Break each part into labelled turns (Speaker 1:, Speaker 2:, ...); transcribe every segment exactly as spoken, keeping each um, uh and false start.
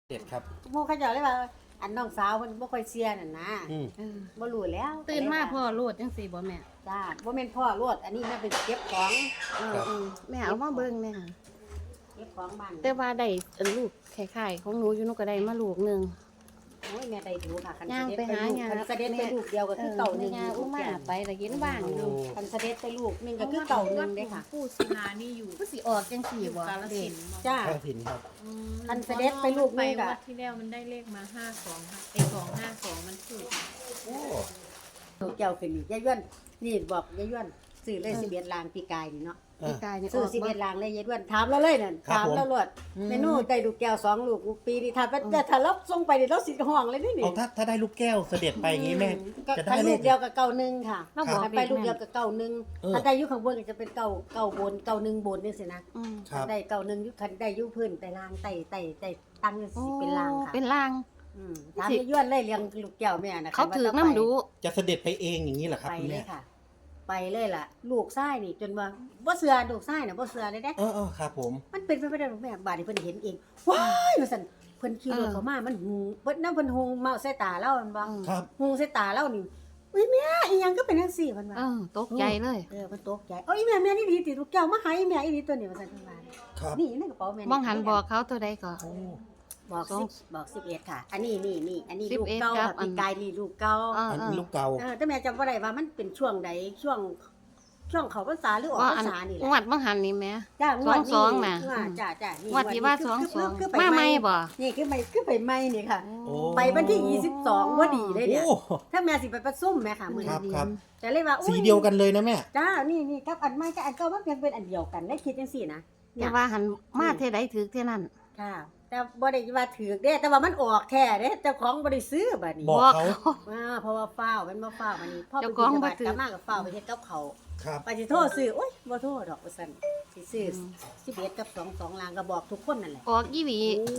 Speaker 1: เด็ดครับ
Speaker 2: หมู่เขาเจ้าเลยว่าอันน้องสาวเพิ่นบ่ค่อยเชื่อนั่นนะ
Speaker 1: อืม
Speaker 3: เออ
Speaker 2: บ่รู้แล้ว
Speaker 3: ตื่นมาพ่อโลดจังซี่บ่แม่
Speaker 2: จ้าบ่แม่นพ่อรวดอันนี้แม่เป็นเก็บของ
Speaker 3: เออเออแม่เอามาเบิ่งแม่ค่ะ
Speaker 2: เก็บของบ้าน
Speaker 3: แต่ว่าได้อันลูกคล้ายๆของหนูอยู่หนูก็ได้มาลูกหนึง
Speaker 2: โอ้ยแม่ได้ดูค่ะคัน
Speaker 3: ย่าง
Speaker 2: เสด็จ
Speaker 3: ไป
Speaker 2: ไป
Speaker 3: หา
Speaker 2: ลูก
Speaker 3: ย่าง
Speaker 2: คันเสด็จไปลูกเดียวก็คือเก่าหนึง
Speaker 3: ย่างอุ้มมาไปแล้วเห็นบ้างอยู่
Speaker 2: คันเสด็จไปลูกหนึงก็คือเก่าหนึงเด้ค่ะ
Speaker 4: ผู้สนานี่อยู่
Speaker 3: ผู้สิออกจังซี่
Speaker 4: อยู่
Speaker 3: บ่
Speaker 4: กาล
Speaker 3: เด็
Speaker 4: สิ
Speaker 3: ก
Speaker 4: นธุ์
Speaker 2: จ้า
Speaker 1: ข้าวสินครับ
Speaker 4: อืม
Speaker 2: อันเสด็จไปลูก
Speaker 4: ไป
Speaker 2: นึงอะ
Speaker 4: วัดที่แล้วมันได้เลขมาห้าสองค่ะไอ้สองห้าสองมันถูก
Speaker 1: โอ้
Speaker 2: ลูกเจ้าขึ้นนี่ยายย้วนนี่บอกยายย้วนซื้อเลยสิบเอ็ดลางปีกายนี่เนาะ
Speaker 3: พี่กายนี่อ
Speaker 2: ซื้อ
Speaker 3: อก
Speaker 2: สิบ
Speaker 3: บ่
Speaker 2: เอ็ดลางเลยยายย้วนถามเราเลยนั่นถามเราโลดเมนูได้ลูกแก้วสองลูกปีนี้ถ้าแต่ถ้าเราส่งไปนี่เราสิห้องเลยนี่นี่
Speaker 1: เอาถ้าถ้าได้ลูกแก้วเสด็จไปอย่างงี้แม่
Speaker 2: ก็
Speaker 1: จะได้
Speaker 2: ถ้า
Speaker 1: เล
Speaker 2: ลู
Speaker 1: ข
Speaker 2: กเดียวกับเก่าหนึ่งค่ะ
Speaker 3: เราบอก
Speaker 2: ถ้าไปลูกเดียวกับเก่าหนึ่ง
Speaker 1: เออ
Speaker 2: ถ้าได้อยุข้างบนก็จะเป็นเก่าเก่าบนเก่าหนึ่งบนนี่สินะ
Speaker 3: อืม
Speaker 1: ครับ
Speaker 2: ได้เก่าหนึ่งอยุคันได้อยุพื้นแต่ลางไต่ไต่ไต่ตั้งนี่สิเป็นลางค่ะ
Speaker 3: เป็นลาง
Speaker 2: อืมถามยายย้วนเลยเลี้ยงลูกแก้วแม่นะ
Speaker 3: เขาถือน้ำดู
Speaker 1: จะเสด็จไปเองอย่างนี้เหรอครับ
Speaker 2: ไป
Speaker 1: คุณ
Speaker 2: เล
Speaker 1: แม่
Speaker 2: ยค่ะ ไปเลยล่ะ ลูกไส้นี่จนว่าบ่เสือลูกไส้น่ะบ่เสือเลยเด้
Speaker 1: เออเออครับผม
Speaker 2: มันเป็นไปไม่ได้หรอกแม่บาดนี้เพิ่นเห็นเองว้ายว่าซั่นเพิ่นขี่รถ
Speaker 3: เออ
Speaker 2: เข้ามามันหูเพิ่นนำเพิ่นหูเมาใส่ตาเรามันบ่
Speaker 3: อืม
Speaker 1: ครับ
Speaker 2: หูใส่ตาเรานี่อุ้ยแม่อีหยังก็เป็นจังซี่เพิ่นว่า
Speaker 3: เออตกใจเลย
Speaker 2: เออมันตกใจเอ้ยแม่แม่นี่ดีติลูกแก้วมาให้แม่อีนี่ตัวนี้ว่าซั่นเพิ่นว่า
Speaker 1: ครับ
Speaker 2: นี่ในกระเป๋าแม่
Speaker 3: มองหันบอกเขาตัวใดก่อน
Speaker 1: โอ้
Speaker 2: บอก
Speaker 3: สอง
Speaker 2: สิบบอกสิบเอ็ดค่ะ อันนี้นี่นี่อันนี้
Speaker 3: สิบ
Speaker 2: ลูก
Speaker 3: เอ็ด
Speaker 2: เก่า
Speaker 3: ครั
Speaker 2: ค่ะ
Speaker 3: บอัน
Speaker 2: ปีกายนี่ลูกเก่า
Speaker 3: เออ
Speaker 1: อัน
Speaker 3: เอ
Speaker 1: นี้
Speaker 3: อ
Speaker 1: ลูกเก่า
Speaker 2: เออแต่แม่จำบ่ได้ว่ามันเป็นช่วงใดช่วงช่วงเขาพรรษาหรือออก
Speaker 3: ว่า
Speaker 2: พร
Speaker 3: อัน
Speaker 2: รษานี่แห
Speaker 3: ง
Speaker 2: ละ
Speaker 3: วดบางหันนี่แม่
Speaker 2: จ้างวด
Speaker 3: สองๆน่ะ
Speaker 2: ว่าจ้าจ้านี่
Speaker 3: งวดที่ว่า
Speaker 2: คื
Speaker 3: สอง
Speaker 2: คื
Speaker 3: สอง
Speaker 2: คือไป
Speaker 3: มาใหม่บ่
Speaker 2: นี่คือไปคือไปใหม่นี่ค่ะ
Speaker 1: โอ้
Speaker 2: ไปวันที่ยี่สิบสองพอดีเลยเนี่ย
Speaker 1: โอ้
Speaker 2: ถ้าแม่สิไปประซุ่มแม่ค่ะมื้อ
Speaker 1: ครั
Speaker 2: นี้
Speaker 1: บครับ
Speaker 2: แต่เลยว่าอุ๊
Speaker 1: สีเดียวกันเลยนะแม่
Speaker 2: จ้านี่นี่กับอันใหม่กับอันเก่ามันยังเป็นอันเดียวกันได้คิดจังซี่นะ
Speaker 3: แต่ว่าหันมาเท่ใดถือเท่นั้น
Speaker 2: ค่ะ แต่บ่ได้ว่าถือเด้แต่ว่ามันออกแท้เด้เจ้าของบ่ได้ซื้อบัดนี้
Speaker 1: บอกเขา
Speaker 2: อ่าเพราะว่าฟ้าวมันบ่ฟ้าวบัดนี้พ่อไป
Speaker 3: เจ้าข
Speaker 2: กิ
Speaker 3: อง
Speaker 2: น
Speaker 3: บ่
Speaker 2: บัด
Speaker 3: ถือ
Speaker 2: กลับมากับฟ้าวไปเฮ็ดกับเขาว
Speaker 1: ครับ
Speaker 2: ไปสิโทษซื้อโอ๊ยบ่โทษดอกว่าซั่นสิซื้อสิบเอ็ดกับสอง สองลางก็บอกทุกคนนั่นแหละ
Speaker 3: ออกยี่หวี
Speaker 1: โอ้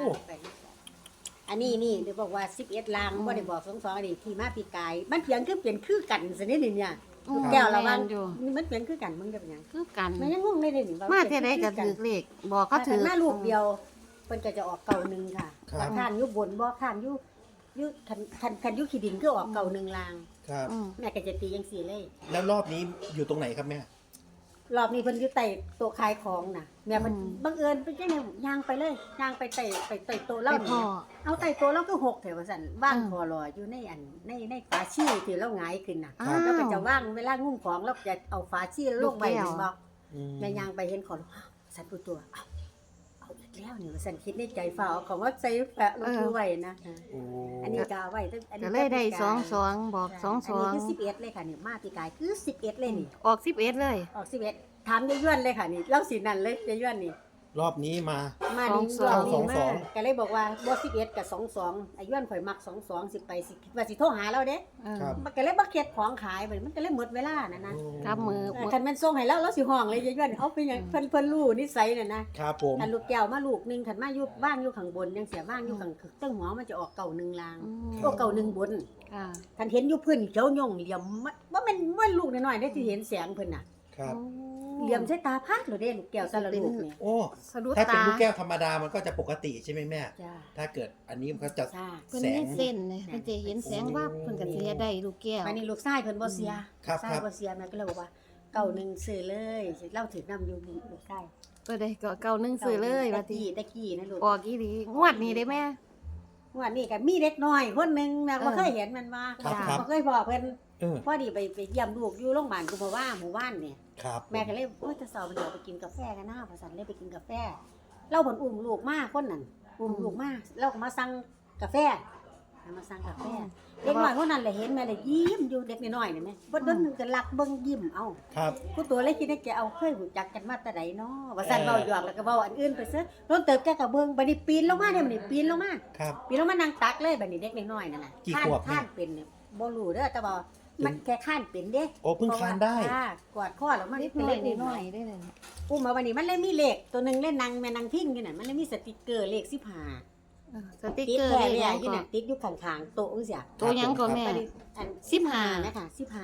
Speaker 2: อันนี้นี่เดี๋ยวบอกว่าสิบเอ็ดลางบ่ได้บอกสอง สองอันนี้ที่มาปีกาย มันเพียงคือเปลี่ยนคือกันซะนิดนึงเนี่ย
Speaker 3: อืม
Speaker 2: แก้วละวัน
Speaker 3: แม่นอยู่
Speaker 2: นี่มันเปลี่ยนคือกันมึงได้เป็นหยัง
Speaker 3: คือกัน
Speaker 2: มันยังงงได้เลยนี่ว่
Speaker 3: มาเท่ใดก็ถือเลขบอกเขา
Speaker 2: ถ้า
Speaker 3: ถื
Speaker 2: ถื
Speaker 3: อ
Speaker 2: อหน้าลูกเดียวเพิ่นก็จะออกเก่าหนึงค่ะ
Speaker 1: ครับ
Speaker 2: ว่าข้างอยู่บนบ่ข้างอยู่อยู่คันคันคันอยู่ขี้ดินก็ออกเก่าหนึงลาง
Speaker 1: ครับ
Speaker 3: อืม
Speaker 2: แม่ก็จะตีจังซี่เลย
Speaker 1: แล้วรอบนี้อยู่ตรงไหนครับแม่
Speaker 2: รอบนี้เพิ่นอยู่ใต้โต๊ะขายของน่ะแม่เพิ่น
Speaker 3: อืม
Speaker 2: บังเอิญไปจังได๋ย่างไปเลยย่างไปใต้ไปใต้โต๊ะ
Speaker 3: ไป
Speaker 2: เรา
Speaker 3: พ่อ
Speaker 2: นี่เอาใต้โต๊ะเราก็หกแถวว่าซั่นว่าง
Speaker 3: อืม
Speaker 2: คอรออยู่ในอันในในฝาชีที่เราหงายขึ้นน่ะ
Speaker 3: อ้าว
Speaker 2: แล้วก็จะว่างเวลางุ้มของเราจะเอาฝาชีลงไป
Speaker 3: ลูกแก้ว
Speaker 2: เห็นบ่
Speaker 1: อืม
Speaker 2: แม่ย่างไปเห็นของอ้าวสันตัวตัวเอาเอาอีกแล้วนี่ว่าซั่นคิดในใจฝ่าเอาของว่าใส่แปะลงมือไว้นะ
Speaker 1: โอ้
Speaker 2: อันนี้ก็เอาไว้ตั้งอัน
Speaker 3: ก็
Speaker 2: นี้
Speaker 3: เลยได้
Speaker 2: ปีกาย
Speaker 3: สองสองบอกสองสอง
Speaker 2: นนี้คือสิบเอ็ดเลยค่ะนี่มาปีกายคือสิบเอ็ดเลยนี่
Speaker 3: ออกสิบเอ็ดเลย
Speaker 2: ออกสิบเอ็ดถามยายย้วนเลยค่ะนี่เล่าสีนั่นเลยยายย้วนนี่
Speaker 1: รอบนี้มา
Speaker 2: มา
Speaker 3: สอง
Speaker 2: นี่
Speaker 3: สอง
Speaker 2: รอบนี้
Speaker 1: สองส
Speaker 2: มา
Speaker 1: อง
Speaker 2: ก็เลยบอกว่าบ่สิบเอ็ดกับสองสองไอ้ย้วนข่อยมักสองสองสิไปสิคิดว่าสิโทรหาเราเด้
Speaker 3: เออ
Speaker 1: ครับ
Speaker 2: มันก็เลยบ่เก็บของขายไปมันก็เลยหมดเวลานั่นนะ
Speaker 1: โอ้
Speaker 3: กับมือ
Speaker 2: เออคันแมันส่งให้แล้วเราสิห้องเลยยายย้วนเอาไปหยังเพิ่นเพิ่นรู้นิสัยน่ะนะครับ
Speaker 1: ผม
Speaker 2: คันลูกแก้วมาลูกหนึงคันมาอยู่บ้านอยู่ข้างบนยังเสียบ้านอยู่ข้างเตั้งหัวมันจะออกเก่าหนึ่งลาง
Speaker 3: อืม
Speaker 2: โอ้เก่าหนึ่งบน
Speaker 3: ค่ะ
Speaker 2: คันเห็นอยู่พื้นเขียวย่องเหลี่ยมมันว่ามันว่าลูกน้อยๆได้ที่เห็นแสงเพิ่นน่ะ
Speaker 1: ครับ
Speaker 2: เหลี่ยมใส่ตาพาดหรือเด้ลูกแก้วแต่ละลูกนี่
Speaker 1: โอ้
Speaker 3: สะดุด
Speaker 1: ถ้าเป็น
Speaker 3: ตา
Speaker 1: ลูกแก้วธรรมดามันก็จะปกติใช่ไหมแม่
Speaker 2: จ้า
Speaker 1: ถ้าเกิดอันนี้มันก็จะ
Speaker 2: จ้า
Speaker 3: เพิ่น
Speaker 1: แส
Speaker 3: มี
Speaker 1: ง
Speaker 3: เส้นเลยเพิ่นจะเห็นแสงว่าบเพิ่นก็สิเฮ็ดได้ลูกแก้ว
Speaker 2: วันนี้ลูกชายเพิ่นบ่เสีย
Speaker 1: ครับ
Speaker 2: ชาย
Speaker 1: ครับ
Speaker 2: บ่เสียแม่ก็เลยบอกว่าเก่าหนึ่งซื้อเลยเล่าถึงนำอยู่ลูกชาย
Speaker 3: ก็ได้ก็เก่าหนึงซื้อเลยว่า
Speaker 2: ตะ
Speaker 3: ติ
Speaker 2: กี้ตะกี้นะลูก
Speaker 3: ออกอีหลีงวดนี้ได้แม่
Speaker 2: วันนี้ก็มีเด็กน้อยคนหนึงแม่บ่
Speaker 3: เออ
Speaker 2: เคยเห็นมันว่า
Speaker 1: ครับครับ
Speaker 2: บ่เคยพอเพิ่น
Speaker 1: เออ
Speaker 2: พอดีไปไปเยี่ยมลูกอยู่โรงพยาบาลกุมภาวะหมู่บ้านเนี่ย
Speaker 1: ครับ
Speaker 2: แม่ก็เลยโอ้ยจะสอบเดี๋ยวไปกินกาแฟกันหน้าพอสันเลยไปกินกาแฟเล่าผลอุ้มลูกมากคนนั้นอุ้มลูกมากเราก็มาสั่งกาแฟมาสั่งกาแฟเด็กน้อยคนนั้นเลยเห็นแม่เลยยิ้มอยู่เด็กน้อยๆนี่แม่บ่โดนหนึงก็รักเบิ่งยิ้มเอา
Speaker 1: ครับ
Speaker 2: ผู้ตัวเลยคิดในใจเอาเคยรู้จักกันมาแต่ใดเนาะว่าสั่น
Speaker 1: เออ
Speaker 2: เว้าหยอกแล้วก็เว้าอันอื่นไปซะโดนเติบแกก็เบิ่งบัดนี้ปีนลงมาเนี่ยบัดนี้ปีนลงมา
Speaker 1: ครับ
Speaker 2: ปีนลงมานั่งตักเลยบัดนี้เด็กน้อยๆนั่นน่ะ
Speaker 1: กี่
Speaker 2: ข้าน
Speaker 1: ขวบเนี่ย
Speaker 2: ข้านเป็นเนี่ยบ่รู้เด้อแต่ว่ามันแค่ข้านเป็นเด้
Speaker 1: โอ้เพิ่งคลานได้
Speaker 2: เพระว่ค่ะกอดข้อแล้วมัน
Speaker 3: นิด
Speaker 2: เป็น
Speaker 3: หน่
Speaker 2: เล
Speaker 3: อย
Speaker 2: ข
Speaker 3: นิ
Speaker 2: อุ้ม
Speaker 3: ดหน่อยได้เลย
Speaker 2: อุ้มมาวันนี้มันเลยมีเลขตัวหนึงเล่นนางแม่นางพิ้งอยู่น่ะมันเลยมีสติกเกอร์เลขสิบห้า
Speaker 3: เออสติก
Speaker 2: ติด
Speaker 3: เกอร์
Speaker 2: แท้
Speaker 3: เล
Speaker 2: เลย ย
Speaker 3: ยั
Speaker 2: อ่ะ
Speaker 3: ง
Speaker 2: อยู่
Speaker 3: ก็
Speaker 2: น่ะติดอยู่ข้างๆโต๊ะจังซี่
Speaker 3: ตัวหยังก็แม่
Speaker 2: บัดนี้อัน
Speaker 3: สิบห้า
Speaker 2: นะคะสิบห้า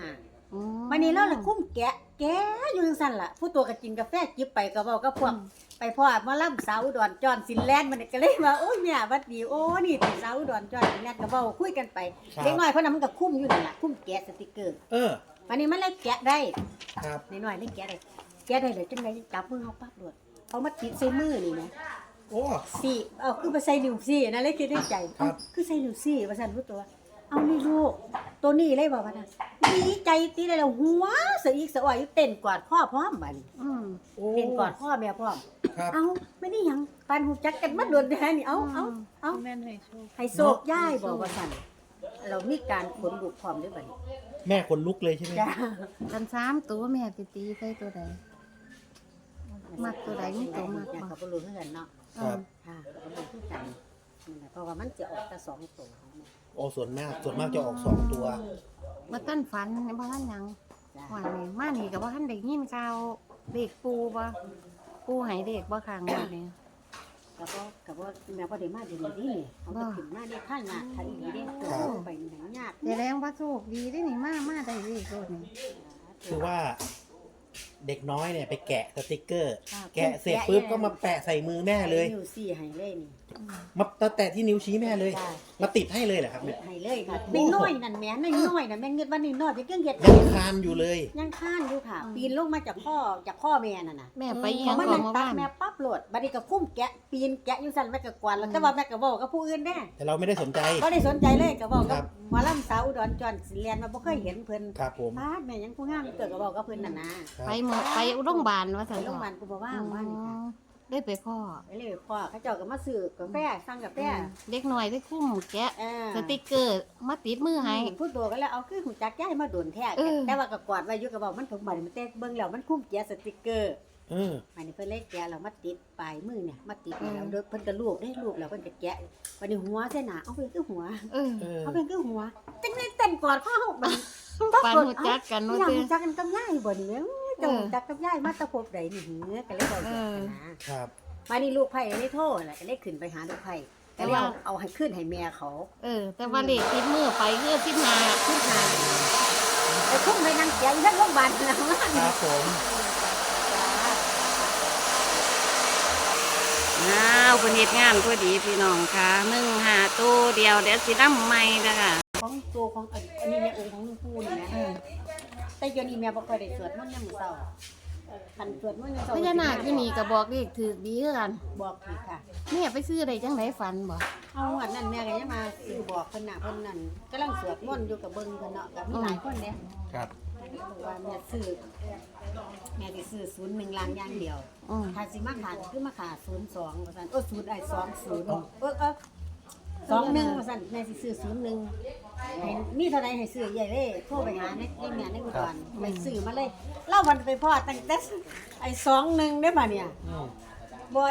Speaker 3: อืม
Speaker 2: วันนี้เราเลยคุ้มแกะแกะอยู่จังซั่นล่ะผู้ตัวก็กินกาแฟจิบไปก็เว้ากับพวกไปพ่อมาล่ำสาวอุดรจอนสินแลนด์มันก็เลยว่าโอ้ยแม่หวัดดีโอ้นี่ติสาวอุดรจอนสินแลนด์ก็เว้าคุยกันไป
Speaker 1: ครับ
Speaker 2: เด็กน้อยเพราะนั้นมันก็คุ้มอยู่นั่นล่ะคุ้มแกะสติกเกอร์
Speaker 1: เออ
Speaker 2: วันนี้มันเลยแกะได้
Speaker 1: ครับ
Speaker 2: น้อยๆเลยแกะได้แกะได้เลยจังไดจับมือเฮาปั๊บโดดเอามาติดใส่มือนี่นะ
Speaker 1: โอ้
Speaker 2: สี่เอาคือไปใส่นิ้วซี่นะเลยคิดในใจ
Speaker 1: ครับ
Speaker 2: เอ้าคือใส่นิ้วซี่ว่าซั่นรู้ตัว เอานี่ลูกตัวนี้เลยบอกว่าน่ะดีใจตีได้แล้วหัวสะอีกสะอ่อยอยู่เต้นกอดพ่อพร้อมบัดนี้
Speaker 3: อืม
Speaker 1: โอ้
Speaker 2: เต้นกอดพ่อแม่พร้อม
Speaker 1: ครับ
Speaker 2: เอาไม่ได้หยังปานหูจักกันมาโดนแท้นี่เอาเอาเอา
Speaker 4: แม่นให้โชค
Speaker 2: ให้โศกย่ายบอกว่าซั่นเรามีการขนบุกพร้อมด้วยบัดนี้
Speaker 1: แม่ขนลุกเลยใช่ไหม
Speaker 2: จ้า
Speaker 3: กันสามตัวแม่สิตีใส่ตัวใด มักตัวใดมีตัวมักบ่
Speaker 2: อยากกับบ่รู้คือกันเนาะ
Speaker 1: ครับ
Speaker 2: ค่ะก็บ่รู้คือกันนั่นแหละเพราะว่ามันจะออกแต่สองตัวของแม่
Speaker 1: โอ้ส่วนมากส่วนมากจะออกสองตัว
Speaker 3: บ่ทันฝันบ่ทันหยัง
Speaker 2: จ้า
Speaker 3: วันนี้มานี่ก็บ่ทันได้ยินข่าวเด็กปูบ่ปูให้เด็กบ่ข้างบ้านนี่
Speaker 2: แล้วก็กับว่าแม่บ่ได้มาเดี๋ยวนี้นี่เขาก็ขึ้นมาได้ท่านงานทันอีเด้เกิดไปหนังยาก
Speaker 3: แสดงว่าโชคดีเด้นี่มามาได้เด็กโลดนี่
Speaker 1: คือว่าเด็กน้อยเนี่ยไปแกะสติกเกอร์
Speaker 2: ค่ะ
Speaker 1: แกะเสร็จปุ๊บก็มาแปะใส่มือแม่เลย
Speaker 2: นิ้วซี่ให้เลยนี่
Speaker 1: มาแตะที่นิ้วชี้แม่เลย
Speaker 2: จ้า
Speaker 1: มาติดให้เลยเหรอครับเนี่ย
Speaker 2: ให้เลยค่ะน้อยๆนั่นแม่น้อยๆนั่นแม่เงินวันนี้น้อยไปเกินเฮ็ด
Speaker 1: ยังคานอยู่เลย
Speaker 2: ยังค้านอยู่ค่ะ ปีนลงมาจากพ่อจากพ่อแม่นั่นน่ะ
Speaker 3: แม่ไปอีห
Speaker 2: พ
Speaker 3: ยั
Speaker 2: อง มัน
Speaker 3: ก่อ
Speaker 2: นั่
Speaker 3: น
Speaker 2: ง
Speaker 3: มา
Speaker 2: ตั
Speaker 3: บ้า
Speaker 2: ด
Speaker 3: น
Speaker 2: แม่ปั๊บโหลดบัดนี้ก็คุ้มแกะปีนแกะอยู่ซั่นแม่ก็กวาดแล้วแต่ว่าแม่ก็เว้ากับผู้อื่นแน่
Speaker 1: แต่เราไม่ได้สนใจ
Speaker 2: บ่ได้สนใจเลยก็เว้า
Speaker 1: ค
Speaker 2: กั
Speaker 1: รั
Speaker 2: บบ หมอลำสาวอุดรจอนสิเรียนมาบ่เคยเห็นเพิ่น
Speaker 1: ครับผม
Speaker 2: พาดแม่ยังผู้งามเกิดก็เว้ากับเพิ่นนั่นนะ
Speaker 1: ครับ
Speaker 3: ไปหมดไปโรงพยาบาลว่า
Speaker 2: ไป
Speaker 3: ซั่น
Speaker 2: โรงพยาบาลกูบ่ว่างว่านี่ค่ะ
Speaker 3: ได้ไปพ่อ
Speaker 2: ไปเลยพ่อเขาเจ้าก็มาซื้อกาแฟสั่งกาแฟ
Speaker 3: เด็กน้อยได้คุ้มแกะ
Speaker 2: เออ
Speaker 3: สติกเกอร์มาติดมือให้
Speaker 2: ผู้ตัวก็แล้วเอาคือหูจักย้ายมาโดนแท้
Speaker 3: เออ
Speaker 2: แต่ว่าก็กอดไว้อยู่ก็บอกมันถูกบัดมันแต่เบิ่งแล้วมันคุ้มแกะสติกเกอร์
Speaker 1: เออ
Speaker 2: อันนี้เพิ่นเลยแกะแล้วมาติดปลายมือเนี่ยมาติดแล้วเด้อเพิ่นก็ลูบได้ลูบแล้วเพิ่นก็แกะบัดนี้หัวเส้นหนาเอาไปคือหัว
Speaker 3: เออ
Speaker 1: เออ
Speaker 2: เอาไปคือหัวจังได๋เต้นกอดพ่อเฮาบัดนี้
Speaker 3: ปานหูจักกัน
Speaker 2: ว่า
Speaker 3: ว่า
Speaker 2: เอ้า
Speaker 3: ติ
Speaker 2: รู้จักกันกับยายบ่นี่แม่เจ้ารู้จักกับยายมาแตะพบใดนี่หือก็เลยบอก
Speaker 3: เอ
Speaker 2: กัน
Speaker 3: อ
Speaker 2: นะครับ มานี่ลูกไผ่เลยโทรแหละก็เลยขึ้นไปหาลูกไผ่แต่ว่าเอาให้ขึ้นให้แม่เขา
Speaker 3: เออ แต่ว่าเลขติดมือไปคือสิบห้า
Speaker 2: ขึ้นมาไอ้ทุ่มไปนั่งเสียอยู่ที่โรงพยาบาลนะ
Speaker 1: ครับผม
Speaker 3: อ้าวเพิ่นเฮ็ดงานพอดีพี่น้องค่ะหนึ่งหาตู้เดียวเดี๋ยวสินำใหม่เด้อค่ะ
Speaker 2: ของตัวของอันอันนี้แม่องค์ของหลวงปู่นี่นะ
Speaker 3: เออ
Speaker 2: แต่เดี๋ยวนี้แม่บ่ค่อยได้สวดมนต์ยามมื้อเช้าคันสวดมนต์ยามเช้า
Speaker 3: พญานาคอยู่นี่ก็บอกเลขถูกดีคือกัน
Speaker 2: บอกอีกค่ะ
Speaker 3: แม่ไปซื้อได้จังไดฝันบ่
Speaker 2: เอาอันนั้นแม่ก็ยังมาซื้อบอกเพิ่นน่ะเพิ่นนั่นกำลังสวดมนต์อยู่กับเบิ่งเพิ่นเนาะก็มีหลายคนเด้
Speaker 1: ครับ
Speaker 2: บอกว่าแม่ซื้อแม่สิซื้อศูนย์หนึ่งล้านอย่างเดียว
Speaker 3: อืม
Speaker 2: ถ้าสิมาขาดคือมาขาดศูนย์สองว่าซั่นเออศูนย์ไอ้สองศูนย์เออเออสองหนึ่งว่าซั่นแม่สิซื้อศูนย์หนึ่งให้มีเท่าใดให้ซื้อใหญ่เลยโทรไปหาในในแม่ในอุดรไปซื้อมาเลยเล่าวันไปพ่อตั้งแต่ไอ้สองหนึ่งได้ป่ะเนี่ย
Speaker 1: อืม